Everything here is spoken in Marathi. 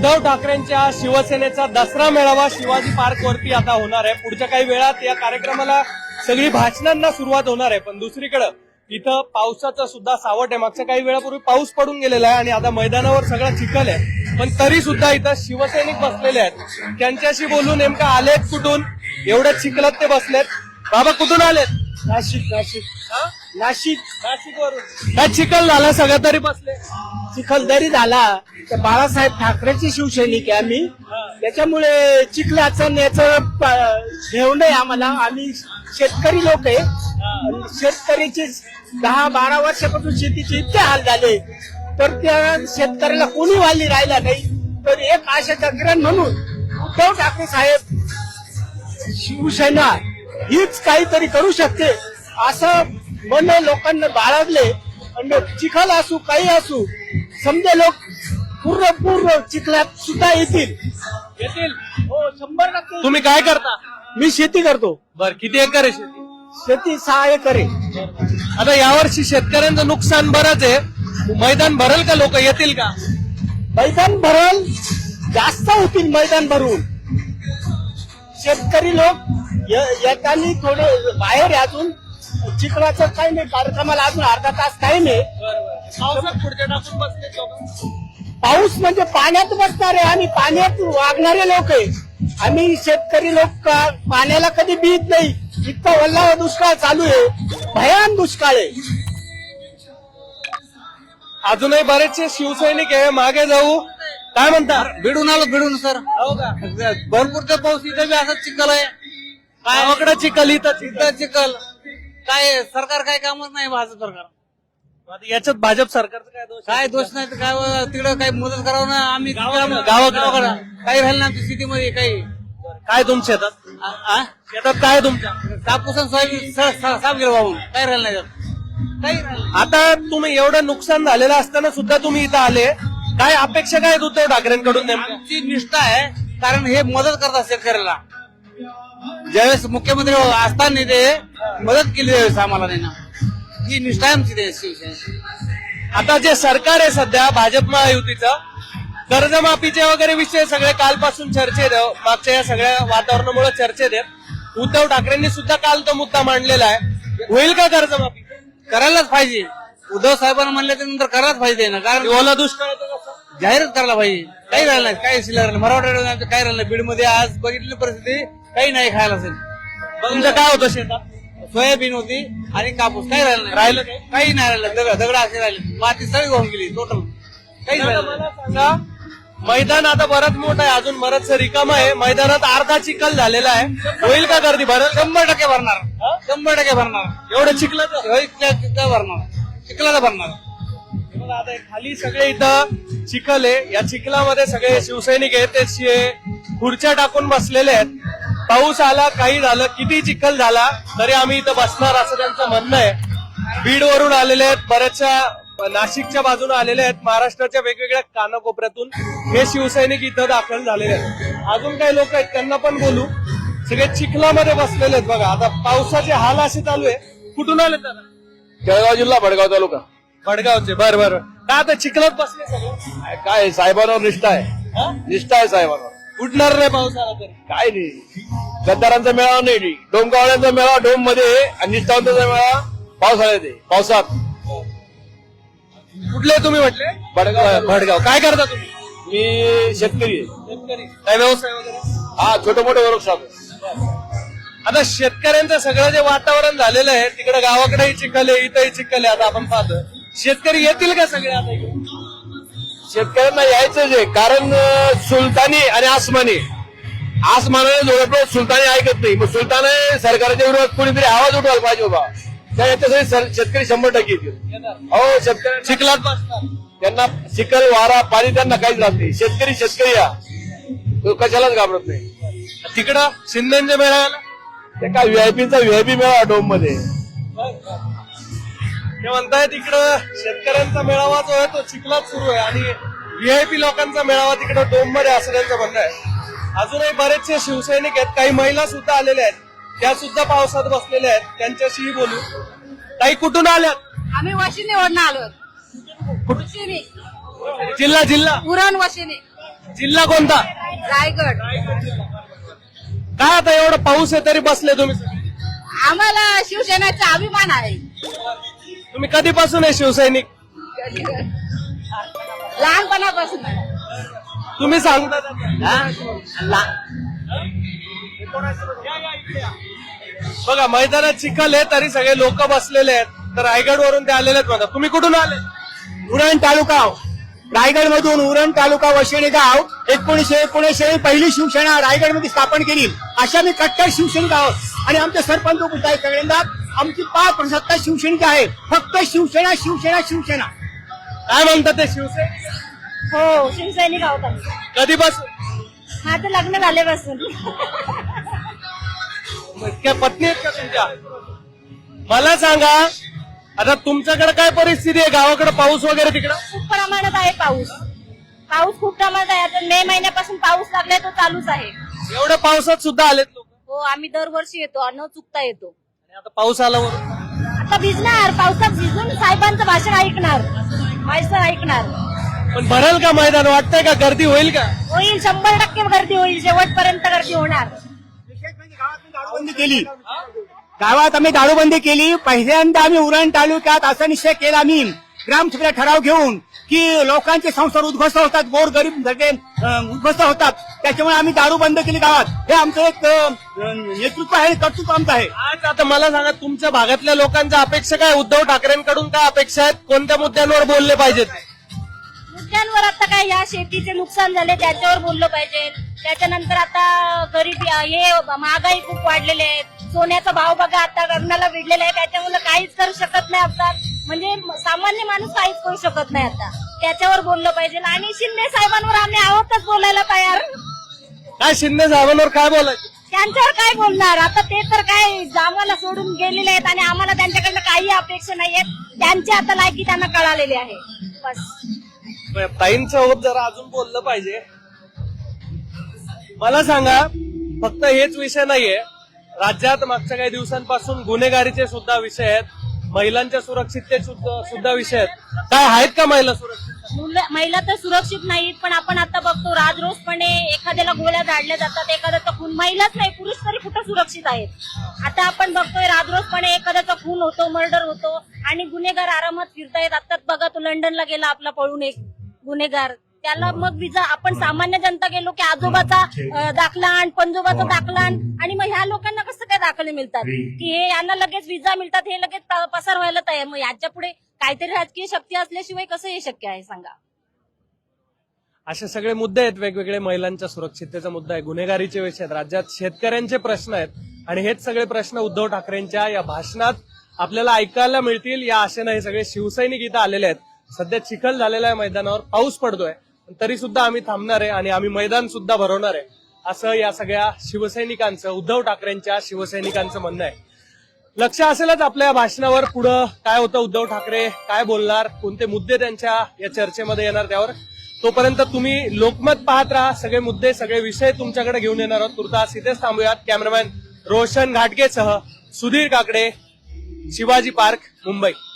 उद्धव ठाकरेंच्या शिवसेनेचा दसरा मेळावा शिवाजी पार्क वरती आता होणार आहे. पुढच्या काही वेळात या कार्यक्रमाला सगळी भाषणांना सुरुवात होणार आहे. पण दुसरीकडे इथं पावसाचं सुद्धा सावट आहे. मागच्या काही वेळापूर्वी पाऊस पडून गेलेला आहे आणि आता मैदानावर सगळा चिखल आहे. पण तरी सुद्धा इथं शिवसैनिक बसलेले आहेत. त्यांच्याशी बोलून नेमका आलेत कुठून, एवढ्या चिखलात ते बसलेत. बाबा कुठून आलेत? नाशिक नाशिक नाशिक नाशिक वरून. काय चिखल झाला सगळं तरी बसले? चिखलदरी झाला तर बाळासाहेब ठाकरेंची शिवसैनिक आहे आम्ही, त्याच्यामुळे चिखलाचं याचं घेऊ नये आम्हाला. आम्ही शेतकरी लोक आहे. शेतकरीची 10-12 वर्षापासून शेतीचे इतके हाल झाले तर त्या शेतकऱ्याला कोणी वाली राहिला नाही. तर एक आशाचा किरण म्हणून उद्धव ठाकरे साहेब शिवसेना हीच काहीतरी करू शकते असं मन लोकांना बाळगले. आणि चिखल असू काही असू समजे लोक पूर्ण चिखलात सुद्धा येतील. हो 100%. तुम्ही काय करता? मी शेती करतो. बर, किती एकर आहे शेती? शेती 6 एकर आहे. आता यावर्षी शेतकऱ्यांचं नुकसान बरंच आहे. मैदान भरल का? लोक येतील का? मैदान भरल, जास्त होतील मैदान भरून. शेतकरी लोक येताना थोडे बाहेर आहे. अजून चिखलाचं काही नाही, कार्यक्रमाला अजून अर्धा तास काही नाही. पावसात पुढच्या टाकून बसले लोक. पाऊस म्हणजे पाण्यात बसणार आहे. आम्ही पाण्यात वागणारे लोक आहे. आम्ही शेतकरी लोक पाण्याला कधी भीत नाही. इतका वल्ला दुष्काळ चालू आहे, भयान दुष्काळ आहे. अजूनही बरेचसे शिवसैनिक आहे. मागे जाऊ. काय म्हणता? भिडून आलो भिडून सर. हो का? भरपूरचा पाऊस इथं बी असाच चिखल आहे. गावाकडे चिखल, इथं इथं चिखल. काय सरकार काय कामच नाही भाजप सरकार. आता याच्यात भाजप सरकारचं काय दोष? काय दोष नाही तर काय तिकडं काही मदत करावं ना. आम्ही गावाकडं काही राहिलं ना आमच्या सिटीमध्ये काही. काय तुमच्या शेतात? शेतात काय तुमच्या? कापूस आणि सोयाबीन साफ गेलं वाहून. काही राहिलं नाही त्यात. काही राहिलं. आता तुम्ही एवढं नुकसान झालेलं असताना सुद्धा तुम्ही इथं आले. काय अपेक्षा काय आहेत उद्धव ठाकरेंकडून नेमकं? आमची निष्ठा आहे, कारण हे मदत करतात शेतकऱ्याला. ज्यावेळेस मुख्यमंत्री असताना ते मदत केली त्यावेळेस आम्हाला नाही ना. ही निष्ठा आहे आमची ते शिवसेना. आता जे सरकार आहे सध्या भाजप महायुतीचं, कर्जमाफीचे वगैरे विषय सगळे कालपासून चर्चेत आहे. मागच्या या सगळ्या वातावरणामुळे चर्चेत आहेत. उद्धव ठाकरेंनी सुद्धा काल तो मुद्दा मांडलेला आहे. होईल का कर्जमाफी? करायलाच पाहिजे. उद्धव साहेबांना म्हणल्याच्या नंतर करायलाच पाहिजे ना, कारण ओला दुष्काळाचं कसं? जाहीरच करायला पाहिजे. काही राहिलं नाही, काही शिल्लक राहिलं. मराठवाड्यात काही राहिलं नाही. बीडमध्ये आज बघितली परिस्थिती, काही नाही खायला असेल. तुमचं काय होतं शेतात? सोयाबीन होती आणि कापूस. काही राहिलं नाही. राहिलं काही नाही राहिलं. दगड असे राहिले. माती सगळी वाहून गेली टोटल. काही राहिलं मला सांगा, मैदान आता बरंच मोठं आहे, अजून बरंच रिकाम आहे. मैदानात अर्धा चिखल झालेला आहे. होईल का गर्दी? भरल? 100% भरणार. 100% भरणार. एवढं चिखलाचं? चिखला भरणार. चिखलाला भरणार. बघा आता खाली सगळे इथं चिखल आहे. या चिखलामध्ये सगळे शिवसैनिक आहेत, ते खुर्च्या टाकून बसलेले आहेत. पाऊस आला, काही झालं, किती चिखल झाला तरी आम्ही इथं बसणार असं त्यांचं म्हणणं आहे. बीड वरून आलेले आहेत, बऱ्याचशा नाशिकच्या बाजूने आलेले आहेत. महाराष्ट्राच्या वेगवेगळ्या कानाकोपऱ्यातून हे शिवसैनिक इथं दाखल झालेले आहेत. अजून काही लोक आहेत, त्यांना पण बोलू. सगळे चिखलामध्ये बसलेले आहेत. बघा आता पावसाचे हाल असे चालू आहे. कुठून आले त्याला? जळगाव जिल्हा भडगाव तालुका. भडगावचे. बरं. काय आता चिखलात बसले सगळे? काय साहेबांवर निष्ठा आहे. निष्ठा आहे साहेबांवर. उठणार नाही पाऊस आला तरी? काय नाही. गद्दारांचा मेळावा नाही. डोमगावड्यांचा मेळावा डोम मध्ये आणि निष्ठावंतांचा मेळावा पावसाळ्यात आहे. पावसात. कुठले तुम्ही म्हटले? भडगाव. काय करता तुम्ही? मी शेतकरी आहे. शेतकरी. काय व्यवसाय वगैरे? हा छोटे मोठे वर्कशॉप. आता शेतकऱ्यांचं सगळं जे वातावरण झालेलं आहे, तिकडे गावाकडेही चिखल आहे, इथंही चिखल आहे. आता आपण पाहतो शेतकरी येतील का सगळे आता इकडे? शेतकऱ्यांना यायचंच आहे, कारण सुलतानी आणि आसमानाने जोडलं. सुलतानी ऐकत नाही. मग सुलताने सरकारच्या विरोधात कोणीतरी आवाज उठवायला पाहिजे बाबा. त्या याच्यासाठी शेतकरी 100% येतील. हो शेतकरी चिखलात बसतात. त्यांना चिखल वारा पाणी त्यांना काहीच राहत नाही. शेतकरी या तो कशालाच घाबरत नाही. तिकडं शिंदेच्या मेळाव्याला ते काय व्हीआयपीचा व्हीआयपी मेळावा डोम मध्ये. ते म्हणतायत इकडं शेतकऱ्यांचा मेळावा जो आहे तो चिखलात सुरू आहे आणि व्हीआयपी लोकांचा मेळावा तिकडे डोम मध्ये असं त्यांचं म्हणणं आहे. अजूनही बरेचसे शिवसैनिक आहेत, काही महिला सुद्धा आलेल्या आहेत, त्या सुद्धा पावसात बसलेल्या आहेत. त्यांच्याशीही बोलू. काही कुठून आल्यात? आम्ही वशिने वरून आलो. जिल्हा उरण वशिने. जिल्हा कोणता? रायगड. काय आता एवढा पाऊस आहे तरी बसले तुम्ही सगळे? आम्हाला शिवसेनेचा अभिमान आहे. तुम्ही कधीपासून आहे शिवसैनिक? लहानपणापासून. तुम्ही सांगता बघा मैदानात चिखल आहे तरी सगळे लोक बसलेले आहेत. तर रायगड वरून ते आलेले आहेत म्हणतात. तुम्ही कुठून आले? उरण तालुका, रायगड मधून उरण तालुका वशिणी गाव. 1919 पहिली शिवसेना रायगडमध्ये स्थापन केली. अशा मी कट्टर शिवसैनिक आहोत आणि आमचे सरपंच आहे सगळ्यांदा. आमची 5% शिवसैनिक आहे. फक्त शिवसेना शिवसेना शिवसेना. काय म्हणतात ते शिवसैनिक? हो, शिवसैनिक आहोत आम्ही. कधीपासून? माझं लग्न झाल्यापासून. क्या पत्नी आहेत का तुमच्या? मला सांगा आता तुमच्याकडे काय परिस्थिती आहे? गावाकडे पाऊस वगैरे तिकडं? खूप प्रमाणात आहे पाऊस. पाऊस खूप प्रमाणात आहे. आता मे महिन्यापासून पाऊस लागलाय, तो चालूच आहे. एवढ्या पावसात सुद्धा आलेत लोक? हो, आम्ही दरवर्षी येतो, न चुकता येतो. आणि आता पाऊस आला वरून. आता भिजणार, पावसात भिजून साहेबांचं भाषण ऐकणार, माहिती ऐकणार. पण भरेल का मैदान? वाटतंय का गर्दी होईल का? होईल, 100% गर्दी होईल. शेवटपर्यंत गर्दी होणार. दारूबंदी केली. गावात आम्ही दारूबंदी केली. पहिल्यांदा आम्ही उरण तालुक्यात असा निश्चय केला आम्ही ग्रामसभेला ठराव घेऊन की लोकांचे संसार उद्ध्वस्त होतात, गोर गरीब उद्ध्वस्त होतात. त्याच्यामुळे आम्ही दारू बंद केली गावात. हे आमचं एक नेतृत्व आहे, कर्तृत्व आमचं आहे. आज आता मला सांगा तुमच्या भागातल्या लोकांच्या अपेक्षा काय? उद्धव ठाकरेंकडून काय अपेक्षा आहेत? कोणत्या मुद्द्यांवर बोलले पाहिजेत? मुद्द्यांवर आता काय, या शेतीचे नुकसान झाले त्याच्यावर बोललं पाहिजे. त्याच्यानंतर आता गरिबी, हे महागाई खूप वाढलेले आहेत. सोन्याचा भाव बघा आता लग्नाला विडलेला आहे. त्याच्यामुळे काहीच करू शकत नाही आता. म्हणजे सामान्य माणूस काहीच करू शकत नाही आता. त्याच्यावर बोललं पाहिजे. आणि शिंदे साहेबांवर आम्ही आहोतच बोलायला तयार. काय शिंदे साहेबांवर काय बोलायचं? त्यांच्यावर काय बोलणार आता? ते तर काय आम्हाला सोडून गेलेले आहेत आणि आम्हाला त्यांच्याकडनं काही अपेक्षा नाहीयेत. त्यांची आता लायकी त्यांना कळालेली आहे. बस ताईंसोबत जरा अजून बोललं पाहिजे. मला सांगा फक्त हेच विषय नाहीये, राज्यात मागच्या काही दिवसांपासून गुन्हेगारीचे सुद्धा विषय आहेत, महिलांच्या सुरक्षितते सुद्धा विषय आहेत. काय आहेत का महिला सुरक्षित? महिला तर सुरक्षित नाहीत, पण आपण आता बघतो राजरोसपणे एखाद्याला गोळ्या झाडल्या जातात, एखाद्याचा खून. महिलाच नाही, पुरुष तरी कुठं सुरक्षित आहेत. आता आपण बघतोय राजरोसपणे एखाद्याचा खून होतो, मर्डर होतो आणि गुन्हेगार आरामात फिरतायत. आताच बघा, तो लंडनला गेला आपला पळून एक गुन्हेगार. त्याला मग विजा, आपण सामान्य जनता गेलो की आजोबाचा दाखला आण, पंजोबाचा दाखला आण, आणि मग ह्या लोकांना कसं काय दाखले मिळतात की हे यांना लगेच विजा मिळतात, हे लगेच पसार व्हायला तयार. मग याच्या पुढे काहीतरी राजकीय शक्ती असल्याशिवाय कसं हे शक्य आहे सांगा? असे सगळे मुद्दे आहेत वेगवेगळे. महिलांच्या सुरक्षिततेचा मुद्दा आहे, गुन्हेगारीचे विषय आहेत, राज्यात शेतकऱ्यांचे प्रश्न आहेत. आणि हेच सगळे प्रश्न उद्धव ठाकरेंच्या या भाषणात आपल्याला ऐकायला मिळतील या आशेनं हे सगळे शिवसैनिक इथं आलेले आहेत. सध्या चिखल झालेला आहे मैदानावर, पाऊस पडतोय, तरी सुद्धा आम्ही थांबणार आहे आणि आम्ही मैदान सुद्धा भरवणार आहे, असं या सगळ्या शिवसैनिकांचं, उद्धव ठाकरेंच्या शिवसैनिकांचं म्हणणं आहे. लक्ष असेलच आपल्या भाषणावर पुढं काय होतं, उद्धव ठाकरे काय बोलणार, कोणते मुद्दे त्यांच्या या चर्चेमध्ये येणार त्यावर. तोपर्यंत तुम्ही लोकमत पाहत राहा. सगळे मुद्दे, सगळे विषय तुमच्याकडे घेऊन येणार आहोत. तुर्तास इथेच थांबूयात. कॅमेरामॅन रोशन घाटगेसह सुधीर काकडे, शिवाजी पार्क, मुंबई.